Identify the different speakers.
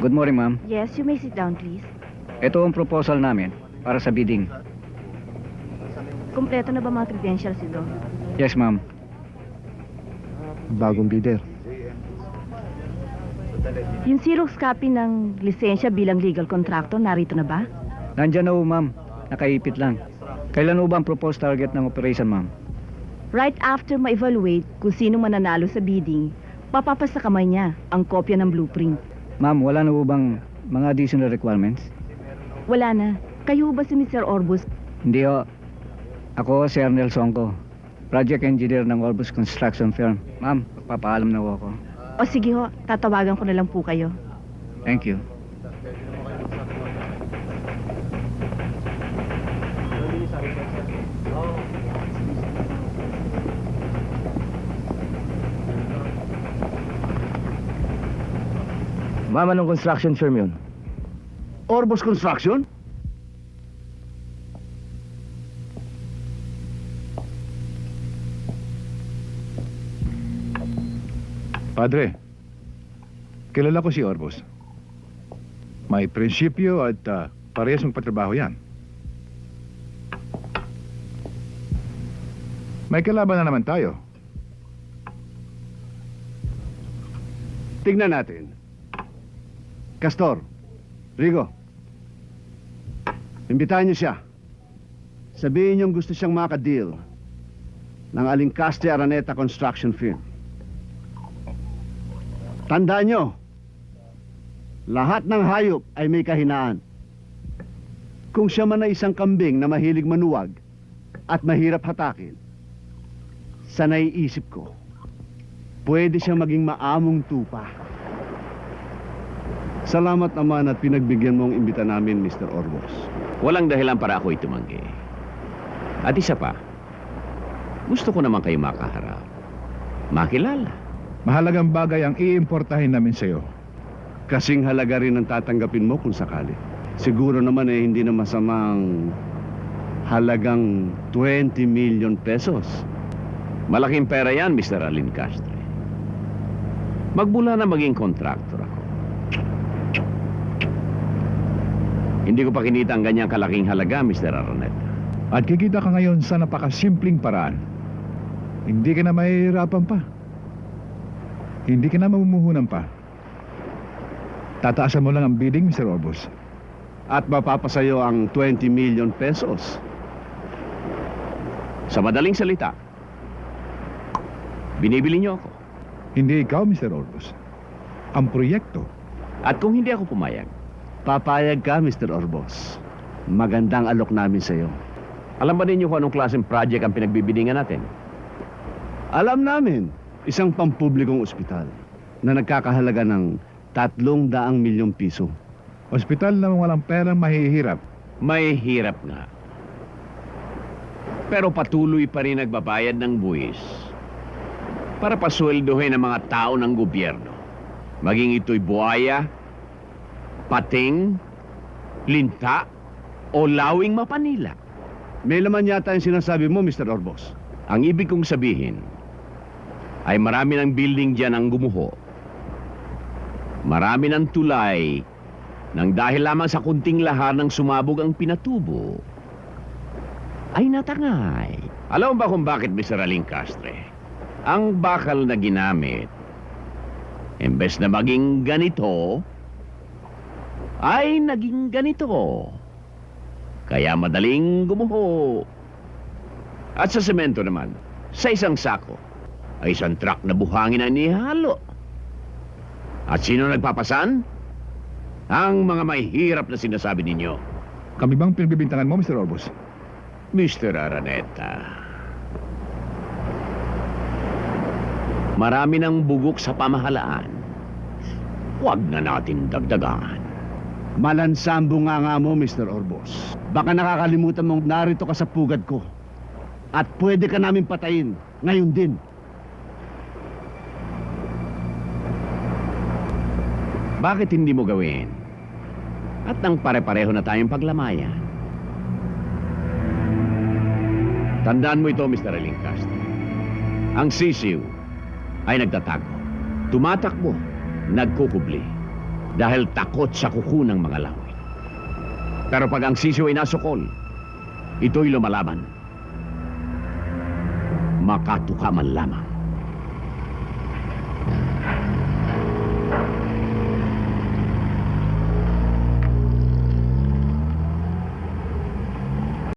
Speaker 1: Good morning, ma'am.
Speaker 2: Yes, you may sit down, please.
Speaker 1: Ito ang proposal namin para sa bidding.
Speaker 2: Kumpleto na ba mga credentials ito?
Speaker 1: Yes, ma'am.
Speaker 3: Bagong bidder.
Speaker 2: Yung Xerox copy ng lisensya bilang legal contractor, narito na ba?
Speaker 1: Nandyan na ho, ma'am. Nakaipit lang. Kailan ho ba ang proposed target ng operation, ma'am?
Speaker 2: Right after ma-evaluate kung sino mananalo sa bidding, papapas sa kamay niya ang kopya ng blueprint.
Speaker 1: Ma'am, wala na ho bang mga additional requirements?
Speaker 2: Wala na. Kayo ba si Mr. Orbus?
Speaker 1: Hindi ho. Ako si Arnel Songko, project engineer ng Orbus Construction Firm. Ma'am, magpapaalam na ho ako.
Speaker 2: O sige ho, tatawagan ko na lang po kayo.
Speaker 1: Thank you.
Speaker 3: Ma'am, anong construction firm yun?
Speaker 4: Orbos Construction?
Speaker 5: Padre, kilala ko si Orbos. May prinsipyo at parehas magpatrabaho yan. May kalaban na naman tayo.
Speaker 4: Tignan natin. Castor, Rigo, imbitahan niyo siya. Sabihin niyong gusto siyang maka-deal ng Alincaste Araneta Construction Firm. Tandaan niyo, lahat ng hayop ay may kahinaan. Kung siya man ay isang kambing na mahilig manuwag at mahirap hatakin, sa naiisip ko, pwede siyang maging maamong tupa. Salamat naman at pinagbigyan mo ang imbita namin, Mr. Orbos.
Speaker 6: Walang dahilan para ako'y tumanggi. At isa pa, gusto ko naman kayo makaharap. Makilala.
Speaker 5: Mahalagang bagay ang iimportahin namin sa'yo.
Speaker 4: Kasing halaga rin ang tatanggapin mo kung sakali. Siguro naman hindi na masamang halagang 20 million pesos.
Speaker 6: Malaking pera yan, Mr. Alin Castro. Magbula na maging contractor ako. Hindi ko pa kinita ang ganyang kalaking halaga, Mr. Araneta.
Speaker 5: At kikita ka ngayon sa napakasimpleng paraan. Hindi ka na mahihirapan pa. Hindi ka na mamumuhunan pa. Tataasan mo lang ang bidding, Mr. Orbos.
Speaker 4: At mapapasayo ang 20 million pesos.
Speaker 6: Sa madaling salita, binibili niyo ako.
Speaker 5: Hindi ikaw, Mr. Orbos. Ang proyekto.
Speaker 6: At kung hindi ako pumayag,
Speaker 4: Papayag ka, Mr. Orbos. Magandang alok namin sa'yo.
Speaker 6: alam ba ninyo kung anong klaseng project ang pinagbibidingan natin?
Speaker 4: Alam namin, isang pampublikong ospital na nagkakahalaga ng 300 milyong piso.
Speaker 5: Ospital na walang perang mahihirap.
Speaker 6: May hirap nga. Pero patuloy pa rin nagbabayad ng buwis para pasweldohin ang mga tao ng gobyerno. Maging ito'y buhaya, pating, linta, o lawing mapanila.
Speaker 4: May laman yata yung sinasabi mo, Mr. Orbos.
Speaker 6: Ang ibig kong sabihin ay marami ng building dyan ang gumuho. Marami ng tulay nang dahil lamang sa kunting lahar ng sumabog ang pinatubo ay natangay. Alam mo ba kung bakit, Mr. Aling Castre? Ang bakal na ginamit, imbes na maging ganito, ay naging ganito. Kaya madaling gumuho. At sa semento naman, sa isang sako, ay isang truck na buhangin ang nihalo. At sino nagpapasan? Ang mga mahihirap na sinasabi ninyo.
Speaker 5: Kami bang pinagbibintangan mo, Mr. Orbos?
Speaker 6: Mr. Araneta, marami ng bugok sa pamahalaan. Huwag na natin dagdagan.
Speaker 4: Malansambo nga mo, Mr. Orbos. Baka nakakalimutan mong narito ka sa pugad ko. At pwede ka namin patayin. Ngayon din.
Speaker 6: Bakit hindi mo gawin? At nang pare-pareho na tayong paglamayan. Tandaan mo ito, Mr. Alincastro. Ang sisiw ay nagtatago. Tumatakbo, nagkukubli. dahil takot sa kuko ng mga lawin. Pero pag ang sisiw ay nasukol, ito'y lumalaban. Makatuka man lamang.